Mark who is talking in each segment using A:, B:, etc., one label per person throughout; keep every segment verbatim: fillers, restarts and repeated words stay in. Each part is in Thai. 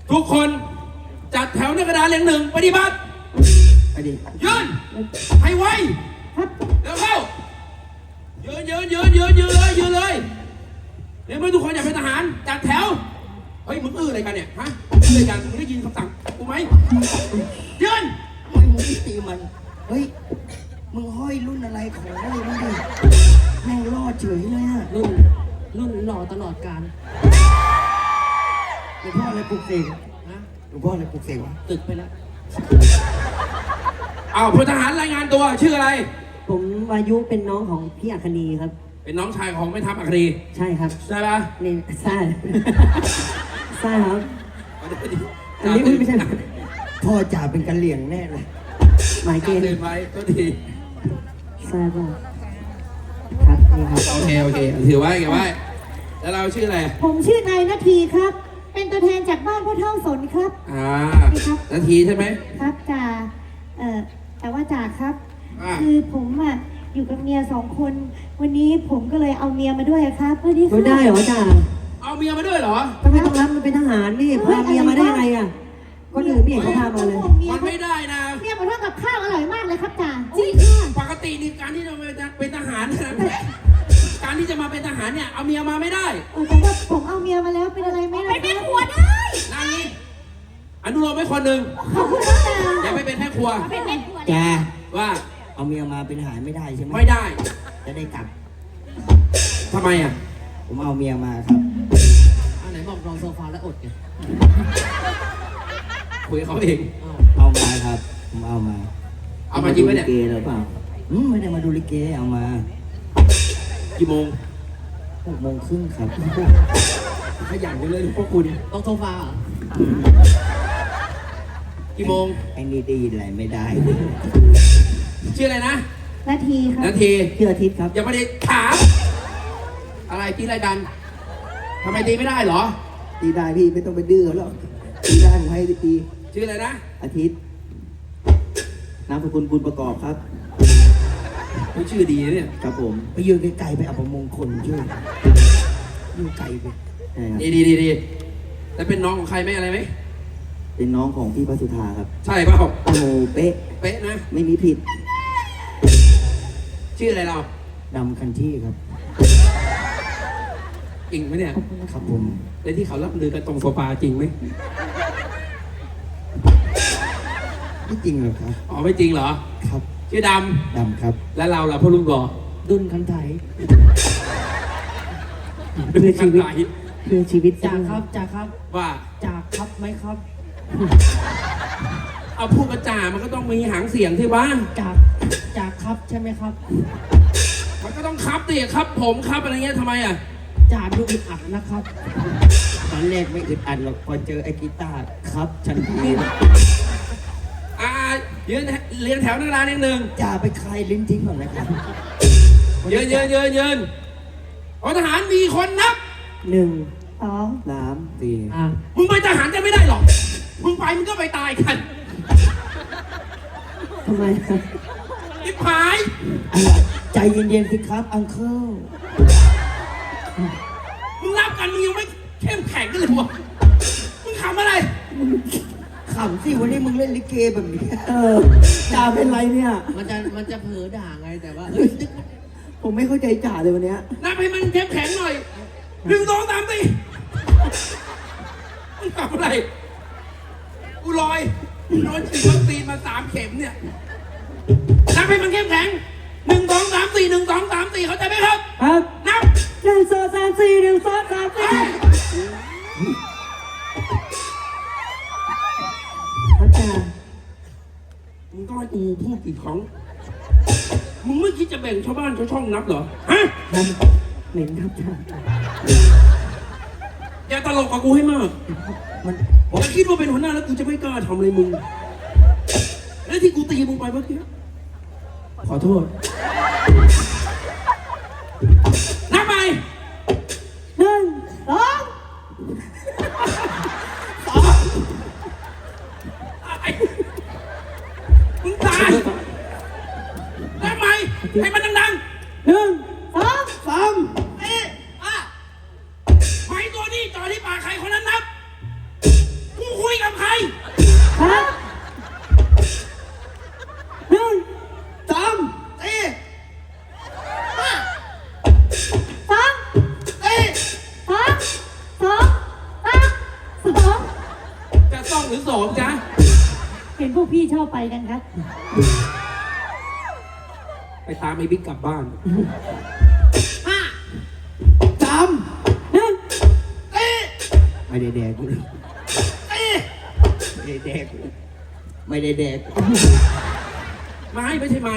A: ทุกคนจัดแถวในกระดานเรียงหนึ่งปฏิบัติไปดิยืนให้ไวเร็วเข้ายืนยืนยืนยืนยืนเลยยืนเลยเดี๋ยวเมื่อทุกคนอยากเป็นทหารจัดแถวเฮ้ยมึงอื้ออะไรกันเนี่ยฮะอื้ออะไรกันมึงได้ยินคำสั่งกูไหมยืน
B: ไม่มึงไม่ตีมันเฮ้ยมึงห้อยรุ่นอะไรของอะไรมึงดิแม่งรอดเฉยเลยอะ
C: รุ่นรุ่นหล่อตลอดกาล
B: หลวงพ่ออะไรปลุกเสกนะหลวงพ่ออะไรปลุกเสกวะ
C: ตึกไปแล้ว
A: อ้าวพลทหารรายงานตัวชื่ออะไร
D: ผมวายุเป็นน้องของพี่อัคนีครับ
A: เป็นน้องชายของแม่ทัพอัคนี
D: ใช่ครับ
A: ใช่ปะ
D: นี่ใช่ใช่ครับอันนี้ไม่ใช่
B: พ่อจ่าเป็นกันเหลี่ยงแน่เลย
D: หมายเกณฑ์
A: ตื่นไว้ก็ดี
D: ใช่ป่ะครับนี่ครับ
A: โอเคโอเคถือไว้เก็บไว้แล้วเราชื่ออะไร
E: ผมชื่อนายนาทีครับเป็นตัวแทนจากบ้านพ่อเท่าสนครับ
A: อ่านาทีใช่ไหม
E: ครับจ่าเอ่อแต่ว่าจ่าครับคือผมอ่ะอยู่กับเมียสองคนวันนี้ผมก็เลยเอาเมียมาด้วยครับเพื่อที่
D: เขาได้เหรอจ่า
A: เอาเมียมาด้วยเหรอ
D: ทำไมต้องรับมันเป็นทหารนี่พาเมียมาได้ไงอ่ะคนอื่นไม่เห็นเขาพามาเลย
A: มันไม่ได้นะ
E: เมียมาทำกับข้าวอร่อยมากเลยครับจ่า
A: จริงปกตินี่การที่จะเป็นทหารการที่จะมาเป็นทหารเนี่ยเอาเมียมาไม่ได้
E: แต่ว่าผมเอาเมียมาแล้วเป็นอะไรไม่ได้เป็นแม่ครัวได้
A: นั่นนี่อนุโลมไม่คนหนึ่งอย่าไปเป็นแม่ครัว
E: เป็นแม่ครัว
B: แก
A: ว่า
B: เอาเมียมาเป็นทหารไม่ได้ใช่ไหม
A: ไม่ได้
B: จะได้กลับ
A: ทำไมอ่ะ
B: ผมเอาเมียมาครับ
C: อันไหนบอกนอนโซฟาแล้วอดไง
A: คุยเขาเอง
B: เอามาครับผมเอามา
A: เอามาจริงไหมเนี่ย
B: เกหรือเปล่าอืมไม่ได้มาดูลิเกเอามา
A: กี่โมง
B: หกโมงครึ่งครับ
A: ขยันไปเลยพวกคุณ
C: ต้องโซฟา
A: กี่โมง
B: ไอ้นี่ได้ยินอะไรไม่ได้
A: ชื่ออะไรนะ
E: นาทีครับ
A: นาที
B: ชื่ออาทิตย์ครับ
A: อย่ามาเด็กถามอะไรตีอะไรกันทำไมตีไม่ได้เหรอ
B: ตีได้พี่ไม่ต้องไปดื้อหรอกตีได้ผมให้ตี
A: ชื่ออะไรนะ
B: อาทิตย์นามสกุลบุญประกอบครับ
A: ชื่อดีเนี่ย
B: ครับผมไปยืนไกลๆไปอัปมงคลช่วยยืนไกลไป
A: ดีดีดีดีแล้วเป็นน้องของใครไหมอะไรไหม
B: เป็นน้องของพี่พระสุธาครับ
A: ใช่เปล่า
B: โอ้โหเป๊ะ
A: เป๊ะนะ
B: ไม่มีผิด
A: ชื่ออะไรเรา
B: ดำคันที่ครับ
A: จริงไหมเนี่ย
B: ครับผม
A: แล้วที่เขารับลือกันตรงโซฟาจริงไหม
B: ไม่จริงหรอกครับ
A: อ๋อไม่จริงเหรอ
B: ครับ
A: ชื่อดำ
B: ดำครับ
A: แล้วเราล่ะพ่อลุงบอก
C: ดุนคันไถ
A: เพื่อชีวิต
D: เพื่อชีวิต
C: จ่าครับจ่าครับ
A: ว่า
C: จ่าครับไหมครับ
A: เอาพูดกระจ่ามันก็ต้องมีหางเสียงที่บ้าน
C: จ่าจ่าครับใช่ไหมครับ
A: มันก็ต้องครับดิครับผมครับอะไรเงี้ยทำไมอ่ะ
C: จ่าดูอึดอัดนะครับ
B: ตอนแรกไม่อึดอัดหรอกพอเจอไอ้กีตาร์ครับฉันที
A: อ่ายืนเรียงแถวนักเรียนนิดนึง
B: จ่าไปคลายลิ้นทิ้งก่อนนะครับ
A: ยืนยืนยืนยืนพลทหารมีคนนับ
D: หนึ่ง
E: สอง
B: สามสี่
D: อ่ะ
A: มึงไปทหารจะไม่ได้หรอกมึงไปมึงก็ไปตายกัน
D: ทำไม
A: อิบหาย
B: ใจเย็นๆสิครับอังเคิล
A: มึงนับกันมึงยังไม่เข้มแข็งกันเลยวะมึงขำอะไร
B: ขำสิวันนี้มึงเล่นลิเกแบบนี้
D: เออจ่าเป็นไรเนี่ย
C: มันจะมันจะเผลอด่าไงแต่ว่า
B: ผมไม่เข้าใจจ่าเลยวันนี้
A: นับให้มันเข้มแข็งหน่อยหนึ่งสองสามสี่มึงขำอะไรกูลอยโดนฉีดวัคซีนมาสามเข็มเนี่ยนับให้มันเข้มแข็งหนึ่งสองสามสี่หนึ่งสองสามสี่เขาใจไหมครับ
D: ครับ
A: นับ
D: หนึ่งสองสามสี่หนึ่งสองสามสี่พระจ่า
A: มึงต้องให้กูพูดกี่ครั้งมึงไม่คิดจะแบ่งชาวบ้านชาวช่องนับเหรอฮะ
D: เหม็นครับจ่า
A: อย่าตลกกับกูให้มากมันผมคิดว่าเป็นหัวหน้าแล้วกูจะไม่กล้าทำเลยมึงแล้วที่กูตีมึงไปเมื่อกี้ขอโทษนับไป
E: หนึ่งสอง
A: สองมึงตายนับไปให้มันดังๆ
E: หนึ่งสอง
A: สามเอ๊ะอ่ะไม้ตัวนี้จ่อที่ปากใครคนนั้นนับกูต้องหรือสองจ๊ะ
E: เห็นพวกพี่ชอบไปกันครับ
A: ไปตามไอ้บิ๊กกลับบ้าน
C: ห้า
B: จำ
E: หนึ่ง
B: ไม่ได้แดกกูเลยไม่ได้แดกกูไม่ได้แดกกู
A: ไม่ไม่ใช่ไม่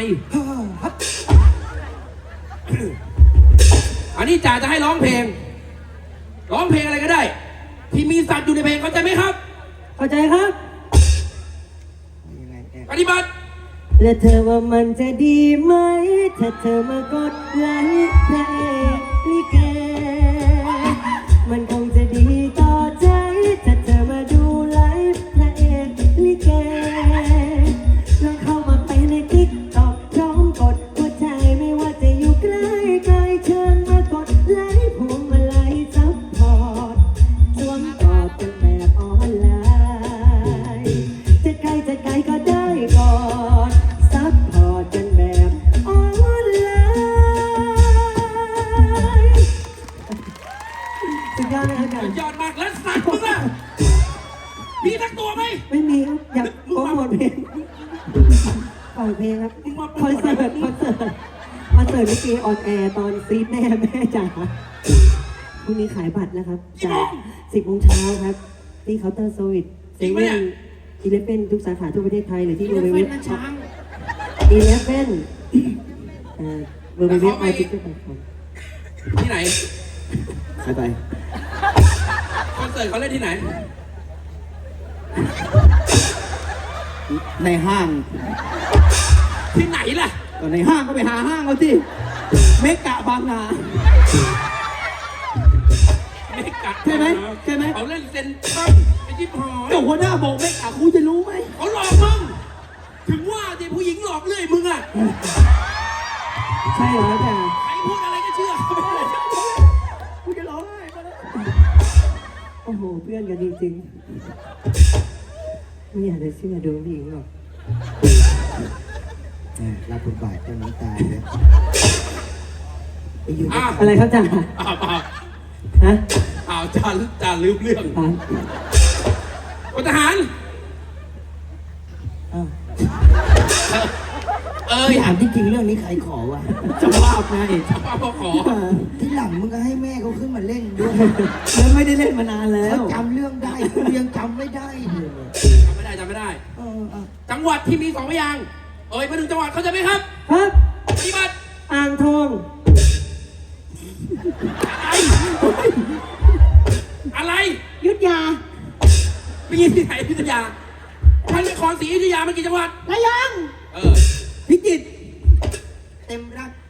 A: อันนี้จ่าจะให้ร้องเพลง ร้องเพลงอะไรก็ได้ ที่มีสัตว์อยู่ในเพลงเข้าใจไหมครับ
D: เข้าใจครับ
B: ยังไงแดก
A: ปฏิบัติ
D: และเธอว่ามันจะดีไหม ถ้าเธอมากดไลค์พระเอกลิเก มันคงจะดีต่อใจ ถ้าเธอมาดูไลฟ์พระเอกลิเก ลองเข้ามาไปในติ๊กต็อกพร้อมกดหัวใจไม่ว่าจะอยู่ใกล้ไกลเชิญมากดไลค์ผมมาไลค์ซัพพอร์ตสวมกอดกันแบบออนไลน์ จะไกลจะไกลก็ได้ก่อนซัพพอร์ตกันแบบออนไลน์สุดยอดเลยครับอาจารย์
A: ยอดมากแล้วสัตว์มึงล่ะมีทั้งตัวไหม
D: ไม่มีครับอยากโปรโมทเพลงปล่อยเพลงครับคอนเสิร์ตคอนเสิร์ตคอนเสิร์ตลิเกออนแอร์ตอนซีดแม่แม่จ๋าพรุ่งนี้ขายบัตรนะครับจากสิบโมงเช้าครับ ที่เคาน์เตอร์โซวิตเซเว่นอีเลฟเว่นทุกสาขาทั่วประเทศไทยหรือที่
C: อี
D: เว็
C: เล
D: บ
C: ฟ
D: เว็
C: เว่น
D: บ
C: นะช้าง
D: อีเลฟเว่นเอ่อเว็บเว็บไอทิกเก็ต
A: ที่ไหน
B: ใครไป
A: คอนเสิร์ตเขาเล่นที่ไหน
B: ในห้าง
A: ที่ไหนล่ะ
B: ก็ในห้างก็ไปหาห้างเอาสิเมกะบางนา
A: เมกะ
B: ใช่ไหมใช่ไหม
A: เขาเล่นเซนทรัลไอ้จิ๊บหอย
B: เจ้าหัวหน้าบอกเมกะกูจะรู้ไหม
A: เขาหลอกมึง ถึงว่าที่ผู้หญิงหลอกเรื่อยมึงอ่ะ
D: ใช่เหรออาจารย์
A: ใครพูดอะไรก็เชื่อเขาไปเลย
B: กูจะร้องไห้มาแล้ว
D: โอ้โหเพื่อนกันจริงๆไม่อยากจะเชื่อดวงผู้หญิงหรอก
B: รับบทบาทเจ้าน้ำตาเลยไอ้ยู
A: อ้าว
D: อะไรครับจ่า
A: อ้าวอ้าว
D: ฮะ
A: อ้าวจานจานลืมเรื่อง
D: อ่าน
A: พลทหาร
B: อ้าว
A: เอ้ย
B: พี่ถามจริงๆเรื่องนี้ใครขอวะ
D: จะภาพไง
A: ป้าพ่อขอ
B: ที่หลังมึงก็ให้แม่เขาขึ้นมาเล่นด้วย
D: แล้วไม่ได้เล่นมานานแล้
B: เขา
D: ว
B: จำเรื่องได้กูยังจำไม่ได้เลย
A: จำไม่ได้จำไม่ได้
B: เออเออ
A: จังหวัดที่มีสองพยางค์เอ่ยมาหนึ่งจังหวัดเข้าใจไหมครับ
D: ครับ
A: ปฏิบัติ
D: อ่างทอง
A: อะไร
E: ยุทธยา
A: ไปยินที่ไหนอยุธยาพระนครศรีอยุธยามันกี่จังหวัด
E: ระยอง
A: เออ
B: พิจิตรเต็มรัก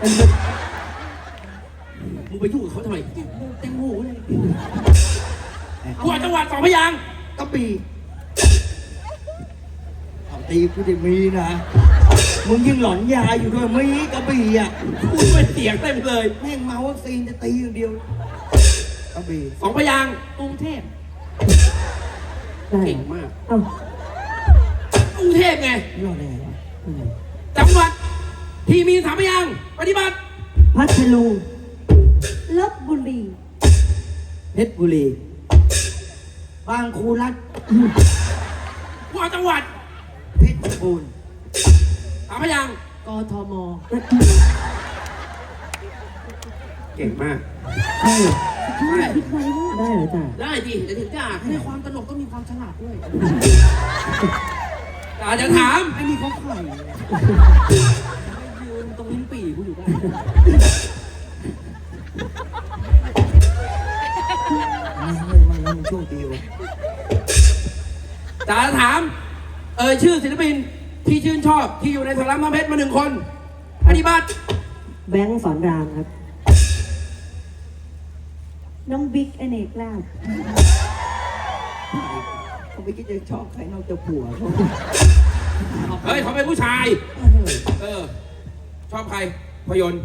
A: มึงไปยุ่งกับเขาทำไมเต็มหูเลยกูเอาจังหวัดสองพยางค์
B: กระบี่เอาตีกูจะมีนะมึงยังหลอนยาอยู่ด้วยมีกระบี่อ่ะ
A: พูดเป็นเสียงเต็มเลย
B: แม่งเมาวัคซีนจะตีอย่างเดียวกระบี่
A: สองพยางค์
C: กรุงเทพ
D: ได้
A: เก่งมาก
D: เอ้าก
A: รุงเทพไง
B: รอดได้ไงวะ
D: อืม
A: จังหวัดที่มีสามพยางค์ปฏิบัติ
D: พัทลุง
E: ลบบุรี
B: เพชรบุรีบางครูรัฐ
A: กูเอาจังหวัด
B: เพชรบูรณ์
A: สามพยางค์
C: กทม
A: เก่งมาก
D: ใช่
A: ได้
E: คิดไว้ว่า
D: ได้เหรอจ่า
A: ได้ดิเดี๋ยวถึงจะอ่าน
C: ในความตลกต้องมีความฉลาดด้วย
A: อาจจะถาม
C: ไอ้นี่เขาไข่ยืนตรงลิ้นปี่กูอยู่ได้
B: มาเลยมาแล้วมันโชคดีวะ
A: จะถาม เอ่ยชื่อศิลปินที่ชื่นชอบที่อยู่ในสลัมน้ำเพชรมาหนึ่งคนปฏิบัติ
D: แบงค์สอนรามครับ
E: น้องบิ๊กอเนกลาภ
B: เขาไม่คิดจะชอบใครนอกจากผัวเขา
A: เฮ้ยเขาเป็นผู้ชาย เออ ชอบใครพยนต์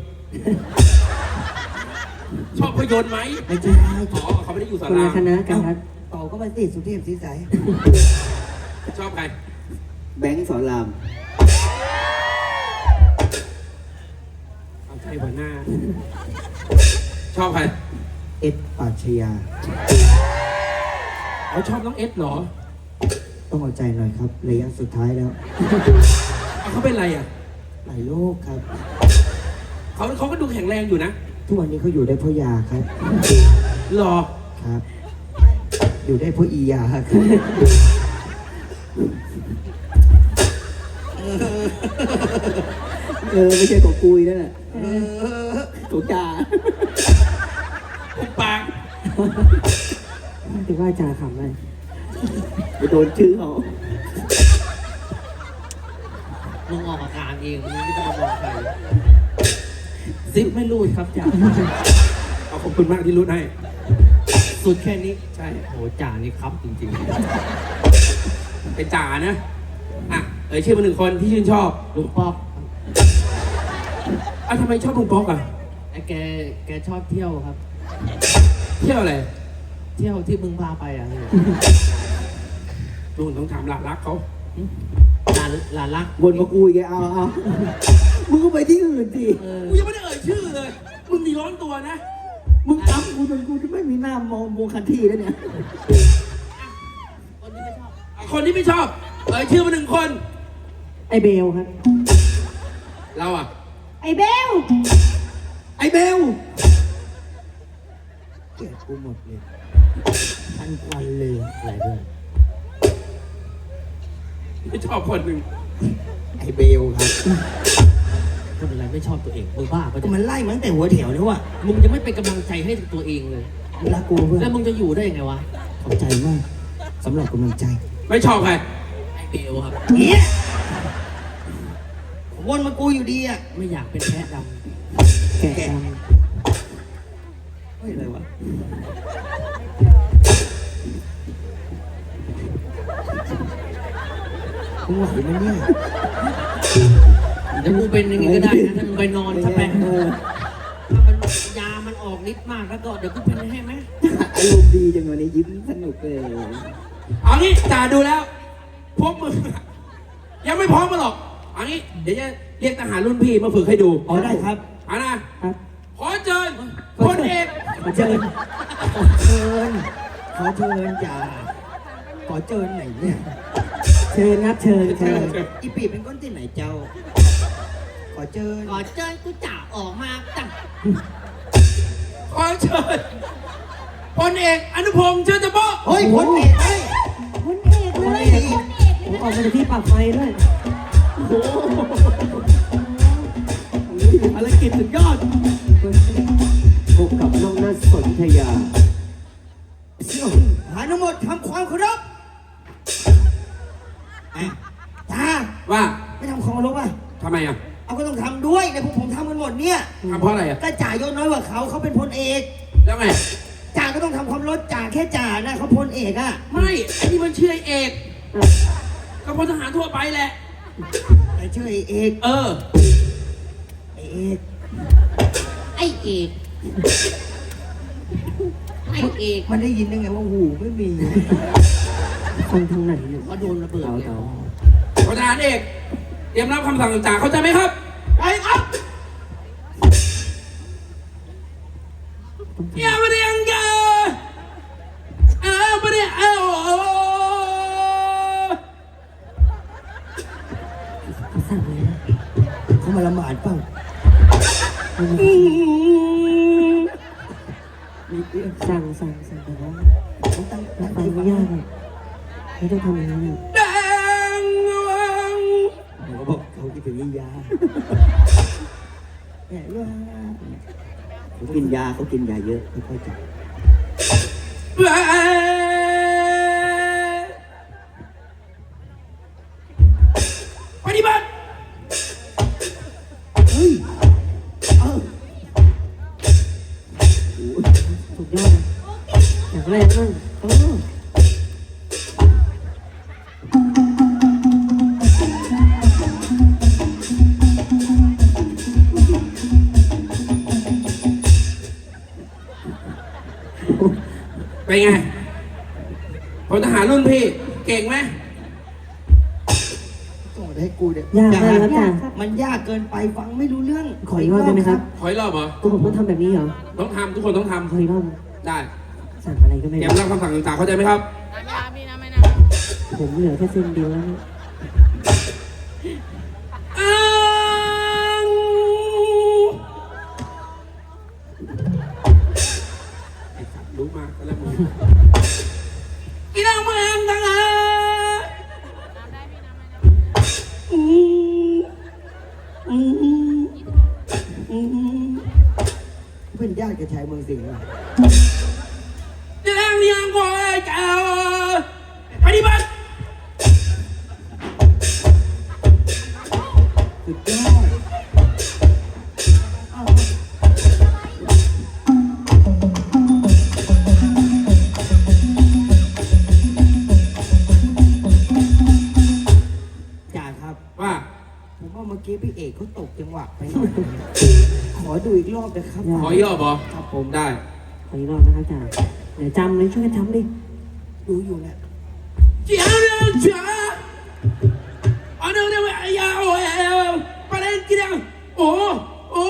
A: ชอบพยนต์ไหม
B: ไม่ใช่
A: อ๋อเขาไม่ได้อยู่สา
D: คน
A: รา
D: ละคณะกันครับ
B: ต่อก็มาสิสุเทพสีใส
A: ชอบใคร
B: แบงค์สอนราม
A: เอาใจหัวหน้า ชอบใคร
B: เอ็ดปราชญา
A: เขาชอบน้องเอสเหรอ
B: ต้องเอาใจหน่อยครับระยะสุดท้ายแล้ว
A: เขาเป็นไรอ่ะ
B: หลายโรคครับ
A: เขาเขาก็ดูแข็งแรงอยู่นะ
B: ทุกวันนี้เขาอยู่ได้เพราะยาครับ
A: หรอ
B: ครับ อยู่ได้เพราะอียาครับ
C: เออไม่ใช่ของกุยนั่นแหละของจ่า
A: ปุบปาก
D: ถือว่าจ่าขำเลย
C: ไปโดนชื่อเขา
F: มึงออกอาการเองมึงไม่ต้องมามองใคร
C: ซิปไม่รูดครับจ่า
A: เอาขอบคุณมากที่รู้ให้
F: สุดแค่นี้
A: ใช่
F: โหจ่านี่ครับจริง
A: เป็นจ่านะ อ่ะ เอ่ยชื่อมาหนึ่งคนที่ชื่นชอบ
F: ๆลุงป๊อก
A: อ่ะทำไมชอบลุงป๊อกอ่ะ
F: ไอ้แกแกชอบเที่ยวครับ
A: เที่ยวอะไร
F: เที่ยวที่มึงพาไปอ่ะ
A: ลุงต้องถามหลานรักเขา
F: หลานหลานรัก
C: วนมากุยแกเอาเอามึงก็ไปที่อื่นสิ
F: เออ
A: กูยังไม่ได้เอ่ยชื่อเลย มึงนี่ร้อนตัวนะ
C: มึงทำกูจนกูจะไม่มีหน้ามองมองคันที่แล้วเนี่ย
F: คนที่ไม่ชอบ
A: อ่ะคนที่ไม่ชอบ เอ่ยชื่อมาหนึ่งคน
D: ไอเบลครับ
A: เราอ่ะ
E: ไอ้เบล
C: ไอ้เบล
B: เกลียดกูหมดเลยทันควันเลย
F: อะไรด้วย
A: ไม่ชอบคนหนึ่ง
B: ไอ้เบลครับ
F: ก็เป็นไรไม่ชอบตัวเองมึงบ้าปะ
B: ก็
F: เนี่ย
B: มันไล่มาตั้งแต่หัวแถวแล้วว่ะ
F: มึงจะไม่เป็นกำลังใจให้ตัวเองเลย
B: รักกูเพื่อน
F: แล้วมึงจะอยู่ได้ยังไงวะ
B: ขอบใจมากสำหรับกำลังใจ
A: ไม่ชอบใคร
F: ไอ้เบลครับ
B: เฮียวนมากูอยู่ดีอ่ะ
F: ไม่อยากเป็นแพะด
D: แกะด
B: เฮ้ยอะไรวะมึงไหวไหมเนี่ย
F: ำเดี๋ยวมึงเป็นอย่างงี้ก็ได้นะถ้ามึงไปนอนสักแป๊บ
C: เออ
F: ถ้ามันยามันออกฤทธิ์มากแล้วก็เดี๋ยวกูเป็นให้ไหม
C: อารมณ์ดีจังวันนี้ยิ้มสนุกเลย
A: เอางี้จ่าดูแล้ว พวกมึงยังไม่พร้อมมาหรอกเอางี้ เดี๋ยวจะเรียกทหารรุ่นพี่มาฝึกให้ดู
B: อ๋อได้ครับ
A: เอานะ
D: ำครับ
A: ขอเชิญพลเอก
D: ขอเชิญ
B: เชิญขอเชิญจ่าขอเชิญไหนเนี่ย
D: เชิญครับเชิญ
A: เชิ
D: เชิ
A: ญ
D: ญ
A: เชิญ
B: อีปีเป็นก้นที่ไหนเจ้า ขอเชิญ
F: ก่อนเจอกูจ่าออกมาจ้ะ
A: ขอเชิญพลเอกอนุพงษ์เชิญจะโป๊ะ
B: เฮ้ยพ้นเอกเฮ้ย
E: คนเอกเลยคนเอกเลย
D: ผมออกมาจากที่ปรับไฟด้วย
C: ภารกิจสุดยอด
D: พบกับน้องนัทสนธยา
B: หาทั้งหมดทำความเคารพอ่ะจ้า
A: ว่า
B: ไม่ทำความเคารพอ่ะ
A: ทำไมอ่ะ
B: เอาก็ต้องทำด้วยในพวกผมทำกันหมดเนี่ย
A: ทำเพราะอะไรอ่ะ
B: ก็จ่ายศน้อยกว่าเขาเขาเป็นพลเอก
A: แล้วไง
B: จ่าก็ต้องทำความเคารพจ่าแค่จ่านะเขาพลเอกอ่ะ
A: ไม่ไอ้นี่มันชื่อไอ้เอกก็พลทหารทั่วไปแหละ
B: ไอ้ชื่อไอ้เอก
A: เออ
B: ไอ้เอก
F: ไอ้เอกไอ้เอก
B: มันได้ยินได้ไงว่าหูไม่มี
D: คนทางไหนเนี่ย
F: ก็โดนระเบิดเลย
A: พลทหารเอกเตรียมรับคำสั่งจากจ่าเข้าใจไหมครับไปครับอย่ามาเรียงกันเออมาเรียงเออ
D: เขาสั่งเลยนะ
B: เขามาละหมาดเปล่า
D: สั่งสั่งสั่งแต่ว่า
B: เขาตั้ง
D: รั
B: ตั้
D: บ
B: ง
D: ฟัง
B: ใจ
D: ไม่
B: ฟัง
D: ยากอ่ะไม่ต้องทำอย่างนั้นอ่ะ
A: แดงวัง
B: เขาบอกเขาคิดถึงอียาแหมว่า
C: เขากินยาเขากินยาเยอะไม่ค่อยจับ
A: แหวปฏิบัติ
B: เฮ้ยเออ
D: สุดยอดนะอย่างแรกนั่นเออ
A: เป็นไงพลทหารรุ่นพี่ เก่งไหม
B: ส่งมาให้กูเนี่ย
D: ยากมากครับจ่า
B: มันยากเกินไปฟังไม่รู้เรื่อง
D: ขออีกรอบได้ไหมครับ
A: ขออีกรอบเหรอ
D: ตัวผมต้องทำแบบนี้เหรอ
A: ต้องทำทุกคนต้องท
D: ขออีกรอบ
A: ำได้
D: สั่งอะไรก็ไม่
A: เตรีย
D: รู้
A: มรับคำสั่งจากเข้าใจไหมครับ
F: น้ำยาพี่น้ำไม่น้
D: ผมเหลือแค่เส้นเดียวแล้วเนี่ย
A: อ้างไอ้สัตว์รู้มากก็แล้วมึงอีนางเมืองทั้งหลายอืมอืมอืม
B: เป็นญาติกับชายเมืองสิงห์เหรอ
A: จะแรงเลี้ยงกว่าไอ้เจ้าปฏิบัติ
B: สุดยอดอ้าวจ่าครับ
A: ว่า
B: ผมว่าเมื่อกี้พี่เอกเขาตกจังหวะไปหน่อย ขอดูอีกรอบนะครับ
A: ขอย่อบอ
B: ครับผม
A: ได้
D: ขออีกรอบนะครับจ่าเดี๋ยวจำเลยช่วยกันจำดิ
B: ดูอยู่นะ
A: เจ้าเรื่องจ้าอันนั้นเนี่ยไอ้ยาวเอวไปเล่นกี่เดือนโอ้โอ้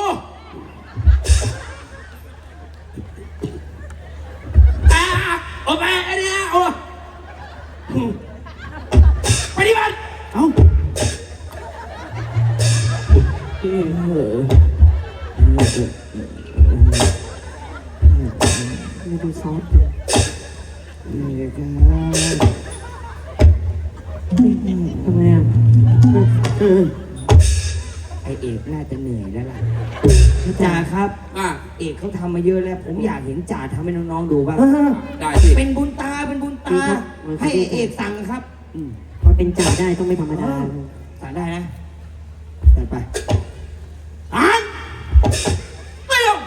A: อ่าโอ้ไปไอ้เนี่ยโอ้ปฏิบัติ
C: เอ้า
B: เฮ้อ
D: ไม่ดูซอสเลย
B: นี่เลยครับ
D: ทำไมอ่ะเออ
B: ไอเอกน่าจะเหนื่อยแล้วล่ะจ่าครับ
A: อ่ะ
B: เอกเขาทำมาเยอะแล้ว ผมอยากเห็นจ่าทำให้น้องๆดูบ้าง
D: เออ
A: ได้สิ
B: เป็นบุญตาเป็นบุญตา ให้ไอ้เอกสั่งครับ
D: อืมพอเป็นจ่าได้ต้องไม่ธรรมดา
B: สั่งได้นะจัดไป
A: อ่านไม่เอา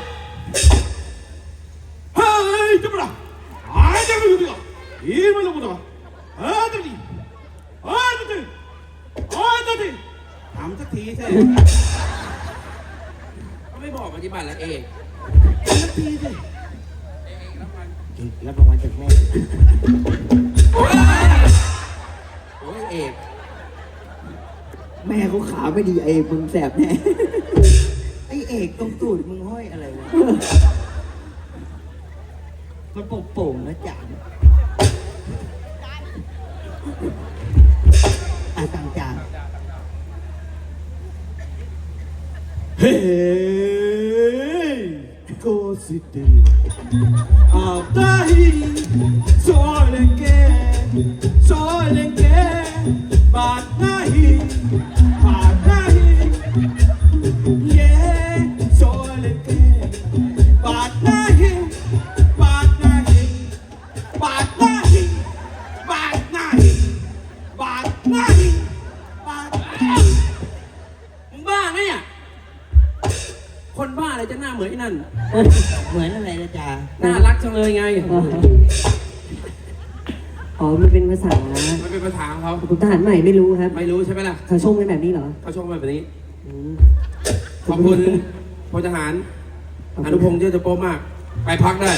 A: เฮ้ยจะมาละไอ้เจ้าไม่รู้ดิอีไม่รู้ดิเฮ้ยเจ้าดิเฮ้ยเจ้าดิเฮ้ยเจ้าดิถามสักทีสิเขาไม่บอกปฏิบัติแล้วเองสักทีสิ
B: เอกรับรางวัลจากแม่
A: โอ้ยเอก
C: แม่เขาขาไม่ดีไอ้มึงแสบแน่
B: ไอเอกตรงตูดมึงห้อยอะไรวะ มันโป่งๆนะจ่าอ่ะสั่งจ่า
C: เฮ้ยโกสิตีอาตาฮีโซเลงเกโซเลงเกบาดนาฮีบาดนาฮีเย่โซเลงเกบาดนาฮีบาดนาฮีบาดนาฮีบาดนาฮีบาดนาฮีบาด
A: มึงบ้าไงเนี่ย คนบ้าอะไรจะหน้าเหมือนไอ้นั่น
B: เหมือนอะไรนะจ่า
A: น่ารักจังเลยไง
D: อ๋อมันเป็นภาษา
A: มันเป็นภาษาของเขา
D: คุณทหารใหม่ไม่รู้ครับ
A: ไม่รู้ใช่ไหมล่ะ
D: เขาชมกันแบบนี้เหรอ
A: เขาชมมาแบบนี้
D: อืม
A: ขอบคุณพลทหาร อนุพงษ์เจ้าจะโป๊มาก ไปพักได้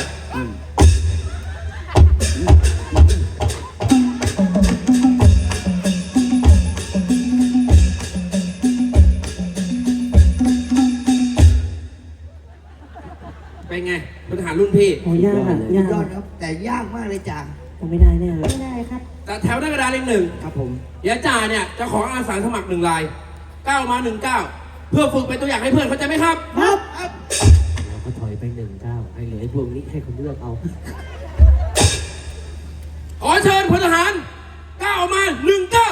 A: เป็นไงพลทหารรุ่นพี่
D: โอ้ยากอ่ะยาก
B: ยอดครับ แต่ยากมากเลยจ่า
D: ทำไม่ได้แน่เลย
E: ไม่ได้ครับ
A: แต่แถวหน้ากระดานเลขหนึ่ง
B: ครับผม
A: เดี๋ยวจ่าเนี่ยจะขออาสาสมัครหนึ่งรายก้าวมาหนึ่งก้าวเพื่อฝึกเป็นตัวอย่างให้เพื่อนเข้าใจไหมครับ
B: ครับ
F: เราก็ถอยไปหนึ่งก้าวให้เหลือไอ้พวกนี้ให้คนเลือกเอา
A: ขอเชิญพลทหารก้าวมาหนึ่งก้าว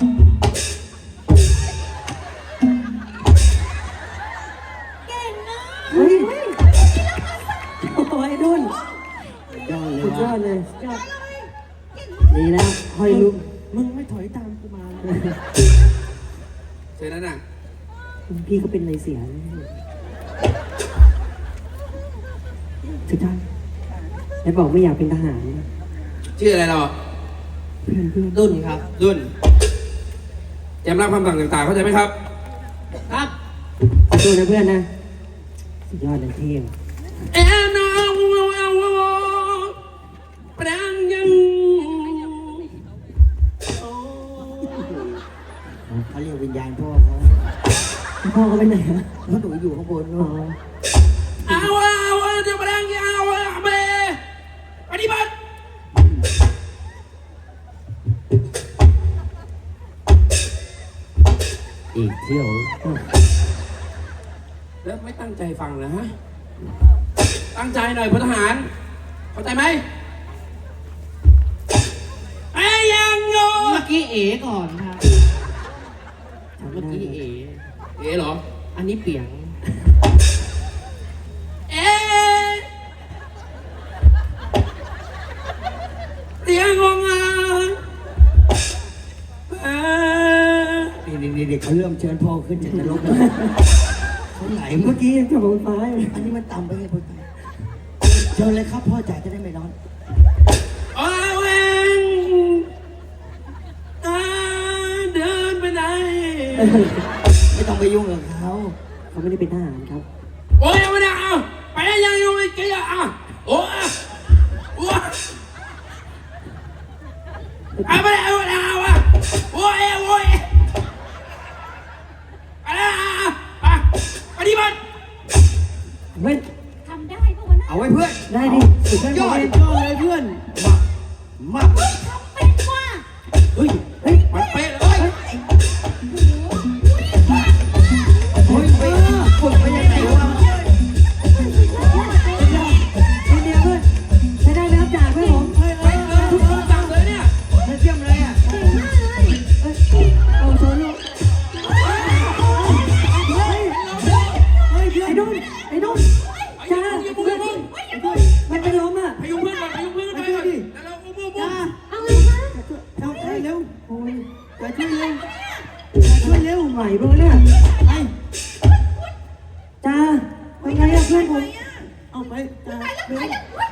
D: เฮ้ยโอ้ยดุน
B: ยอดเลย
D: สุดยอ
B: ว่ะ
D: ดเลยยอดดีแล้วหอยลุกมึงไม่ถอยตามกูมา
A: เสร็จแล้วน่ะ
D: พี่ก็เป็นอะไรเสียแล้วสุดท้ายไอ้บอกไม่อยากเป็นทหาร
A: ชื่ออะไรเรา
D: เพื่อนเพื่อน
B: ดุนครับ
A: ดุนจำรับคำสั่งต่างๆเข้าใจไหมครับ
B: ครับ
D: ขอโทษนะเพื่อนนะสุดยอดเลยเท่
A: เอ็นเอาเอาแปลงยัง
B: เขาเรียกวิญญาณพ่อเขา
D: พ่อเขาไปไหนฮะ
B: เพราะหนูอยู่ข้างบน
D: อ๋อ
B: เนาะ
A: เอาเอาจะแปลงยังเอาเบปฏิบัติ
D: อีกเที่ยว
A: แล้วไม่ตั้งใจฟังนะฮะ ตั้งใจหน่อยพลทหาร เข้าใจไหมไอ้ยังโง่
F: เมื่อกี้เอ๋ก่อนครับเมื่อกี้เอ๋
A: เอ๋เหรอ
F: อันนี้เปียง
A: เอ๊ะเสียงงงอ่ะเอ๊ะ
B: นี่นี่เด็กเขาเริ่มเชิญพ่อขึ้นจากนรกแล้วเขาไหล
D: เมื่อกี้ยังจะบอกฟ้าอยู่
B: อันนี้มันต่ำไปไงพ่อจ๋าเชิญเลยครับพ่อจ๋าจะได้ไม่ร้อน
A: เอาเองอ่าเดินไปไหน
B: ไม่ต้องไปยุ่งกับเขา
D: เขาไม่ได้เป็นทหารครับ
A: โอ้ยไม่ได้เอาไปยังยังไม่เกี่ยอ่ะโอ้ยโอ้ยเอาไม่ได้เอาไม่ได้เอาอ่ะโอ้ยโอ้ยอะไรอ่ะไปปฏิบัติ
D: เฮ้ย
E: ทำได้ปะวะนะ
B: เอาไว้เพื่อน
D: ได้ดิสุดย
B: ย
D: อ
B: อ
D: ด
B: ดยอดเลยเพื่อนมา
E: ทำเป็นว่ะ
B: เฮ้ย
D: เฮ้ย
A: มันเป๊ะเลย
B: เฮ้ยไปฝึกไปยังไงวะ
D: เดียวเพื่อนใช้ได้แล้วจ่าเพื่อนผม
B: เฮ้ย
A: ไปเลยทุกคนสั่งเลยเนี่ย
B: เยี่ยมเลยอ่ะ
E: เก่งมากเลย
D: เอาโซโล่เฮ้ยเฮ้ยไอ้นุ่นไอ้นุ่น
A: ไป
D: จ้า
A: ยุ่ง
D: เพื่อน
A: ยุ่ง
D: มันเป็นลมอ่ะ
A: ไปยุ่งเพื่อนก่อนไปยุ่งเพื่อนก่อนไปก่อนแล้วเราอุ้มอุ้มอุ้ม
E: เอาเลยคะ
B: เอาไปเร็ว
D: โอ้ย
B: ไปช่วยเร็ว
D: ช่วยเร็วใหม่เบอร์เนี่ย
B: ไป
D: จ้าเป็นไงอะเพื่อนผม
B: เอาไปจ้า
E: ไปแล้ว
B: เร็
E: ไป
B: ว
E: แล้ว